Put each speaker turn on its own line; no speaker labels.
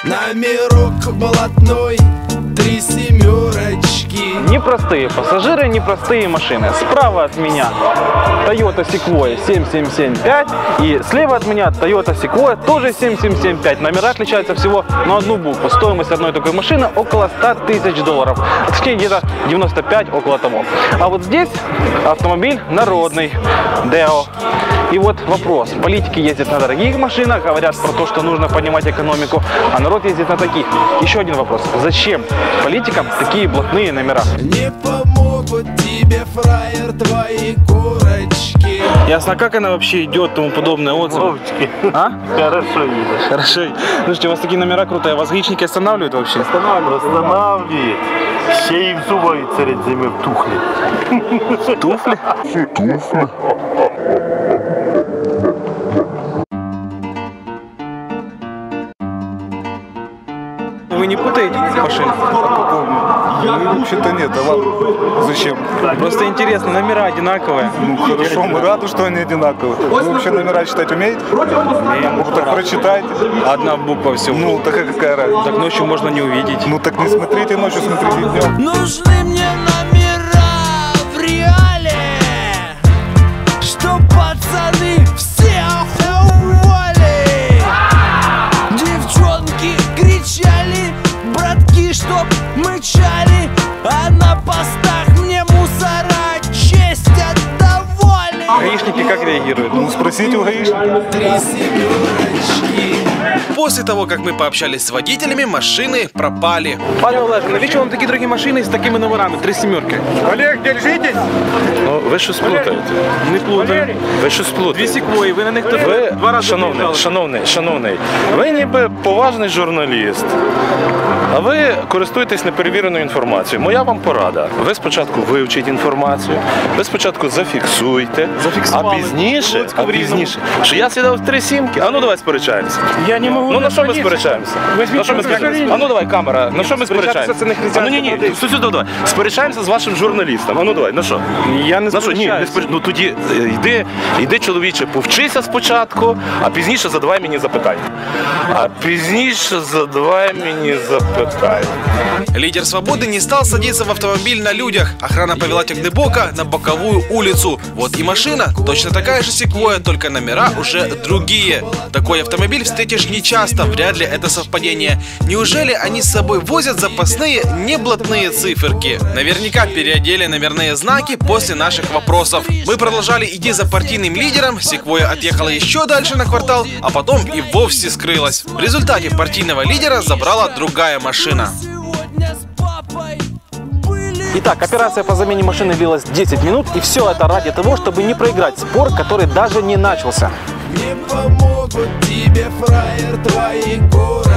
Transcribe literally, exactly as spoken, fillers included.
Номерок блатной, три семерочки.
Непростые пассажиры, непростые машины. Справа от меня Toyota Sequoia семь семь семь пять и слева от меня Toyota Sequoia тоже семь семь семь пять. Номера отличаются всего на одну букву. Стоимость одной такой машины около ста тысяч долларов. Точнее, где-то девяносто пять, около того. А вот здесь автомобиль народный, Део. И вот вопрос. Политики ездят на дорогих машинах, говорят про то, что нужно поднимать экономику, а народ ездит на таких. Еще один вопрос. Зачем политикам такие блатные номера?
Не помогут тебе, фраер, твои курочки.
Ясно, как она вообще идет, тому подобное отзывы? А?
Хорошо едешь.
Хорошо. Слушайте, у вас такие номера крутые. Вас гаишники останавливают вообще?
Останавливает. Останавливает. Ще и в зубы перед зимой в тухли.
Туфли?
Туфли.
Вы не путаете машин?
Ну, вообще-то нет, а вам зачем?
Просто интересно, номера одинаковые.
Ну хорошо, мы рады, что они одинаковые. Вы вообще номера читать умеете? Ну так прочитайте.
Одна буква всего.
Ну так какая разница?
Так ночью можно не увидеть.
Ну так не смотрите ночью, смотрите днем.
Нужны мне номера в реале, чтоб пацаны все охуели. Девчонки кричали, братки, чтоб мычали, а на постах мне мусора честь отдавали.
Гаишники как реагируют?
Ну спросите у гаишника.
Три семерочки.
После того, как мы пообщались с водителями, машины пропали.
Пане Олеже, навіщо вам такі дорогі машини з такими номерами? Три сімерки.
Олег, держитесь!
Ну, ви щось плутаєте.
Не плутаю.
Ви щось
Дві
плутаєте.
Секвої, ви на них тут
Ви,
два рази
шановний,
приїжджали.
шановний, шановний, ви ніби поважний журналіст, а ви користуєтесь неперевіреною інформацією. Моя вам порада. Ви спочатку вивчіть інформацію, ви спочатку зафіксуйте,
Зафіксували.
а пізніше,
Луцьку
а
в Рівному.
пізніше, що я сідав в три сімки. А ну давай сперечаємося.
Я не можу.
Ну на що ми сперечаємося? На що ми сперечаємося? А ну давай, камера, на що ми
Сперечатися
сперечаємося?
це не
А ну
християнська
ні, ні,
традиція.
сюди, давай. Сперечаємося з вашим журналістом. А ну давай, на що?
Я не
На що? Ні, не
сперечаюся.
спереч... Ну тоді е, йди, йди, чоловіче, повчися спочатку, а пізніше задавай мені запитання. А пізніше задавай мені запитання.
Лидер «Свободы» не стал садиться в автомобиль на людях. Охрана повела Тягнебока на боковую улицу. Вот и машина. Точно такая же Sequoia, только номера уже другие. Такой автомобиль встретишь нечасто, вряд ли это совпадение. Неужели они с собой возят запасные неблатные циферки? Наверняка переодели номерные знаки после наших вопросов. Мы продолжали идти за партийным лидером. Sequoia отъехала еще дальше на квартал, а потом и вовсе скрылась. В результате партийного лидера забрала другая машина.
Итак, операция по замене машины длилась десять минут, и все это ради того, чтобы не проиграть спор, который даже не начался.
Не помогут тебе, фраер, твои курочки.